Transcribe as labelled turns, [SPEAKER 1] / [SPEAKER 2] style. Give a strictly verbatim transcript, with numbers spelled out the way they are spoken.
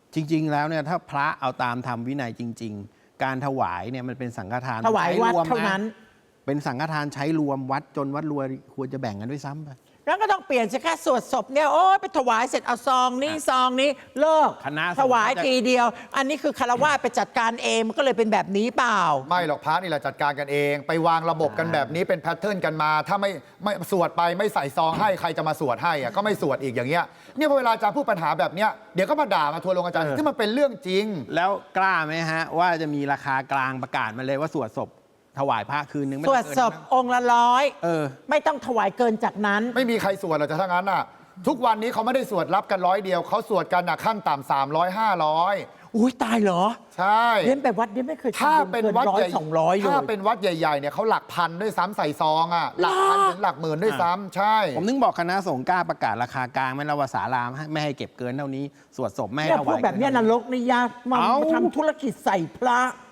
[SPEAKER 1] จริงๆแล้วเนี่ยถ้าพระเอาตามธรรมวินัยจริงๆการถวายเนี่ยมันเป็นสังฆทาน
[SPEAKER 2] ถวายวัด
[SPEAKER 1] ใช้รม
[SPEAKER 2] เท่านั้น
[SPEAKER 1] เป็นสังฆทานใช้รวมวัดจนวัดรวยควรจะแบ่งกันด้วยซ้ำไป
[SPEAKER 2] แล้วก็ต้องเปลี่ยนสิคะสวดศพเนี่ยโอ้ยไปถวายเสร็จเอาซองนี้ซองนี้เลิก
[SPEAKER 1] คณะ
[SPEAKER 2] ถวายทีเดียว อันนี้คือคารวะไปจัดการเองมันก็เลยเป็นแบบนี้เปล่า
[SPEAKER 3] ไม่หรอกพระนี่แหละจัดการกันเอง ไปวางระบบกันแบบนี้เป็นแพทเทิร์นกันมา ถ้าไม่ไม่สวดไปไม่ใส่ซองให้ใครจะมาสวดให้อะก็ไม่สวดอีกอย่างเงี้ยเนี่ยพอเวลาอาจารย์พูดปัญหาแบบเนี้ยเดี๋ยวก็มาด่ามาทัวร์ลงอาจารย์ที่มันเป็นเรื่องจริง
[SPEAKER 1] แล้วกล้าไหมฮะว่าจะมีราคากลางประกาศมาเลยว่าสวดศพถวายพระคืนนึงไม่
[SPEAKER 2] ส
[SPEAKER 1] ต้
[SPEAKER 2] ว
[SPEAKER 1] อ
[SPEAKER 2] ด
[SPEAKER 1] งเกิน
[SPEAKER 2] ศพองค์ละร้อย
[SPEAKER 1] เออ
[SPEAKER 2] ไม่ต้องถวายเกินจากนั้น
[SPEAKER 3] ไม่มีใครสวดหรอกแต่ถ้างั้นน่ะทุกวันนี้เขาไม่ได้สวดรับกันร้อยเดียวเขาสวดกันน่ะขั้นต่ำสามร้อยห้าร้อย
[SPEAKER 2] อุ้ยตายเหรอ
[SPEAKER 3] ใช่
[SPEAKER 2] เรียนแบบวัดเรียนไม่เคย
[SPEAKER 3] ถ้าเป็นวัด
[SPEAKER 2] ร้อ
[SPEAKER 3] ให
[SPEAKER 2] ย
[SPEAKER 3] ญ่
[SPEAKER 2] สองร้อยเลย
[SPEAKER 3] ถ้าเป็นวัดใหญ่ๆเนี่ยเขาหลักพันด้วยซ้ำใส่ซองอ่ะหลักพันถึงหลักหมื่นด้วยซ้ำใช่
[SPEAKER 1] ผมนึกบอกคณะสงฆ์กล้าประกาศราคากลางไม่ละวาสารามไม่ให้เก็บเกินเท่านี้สวดศพไม่ให้
[SPEAKER 2] เนี่ย
[SPEAKER 1] ถ
[SPEAKER 2] พว
[SPEAKER 1] วาก ย
[SPEAKER 2] แบบเนี้ยนรกนี่ยากมา
[SPEAKER 1] เอ้า
[SPEAKER 2] ทำธุรกิจใส่พระ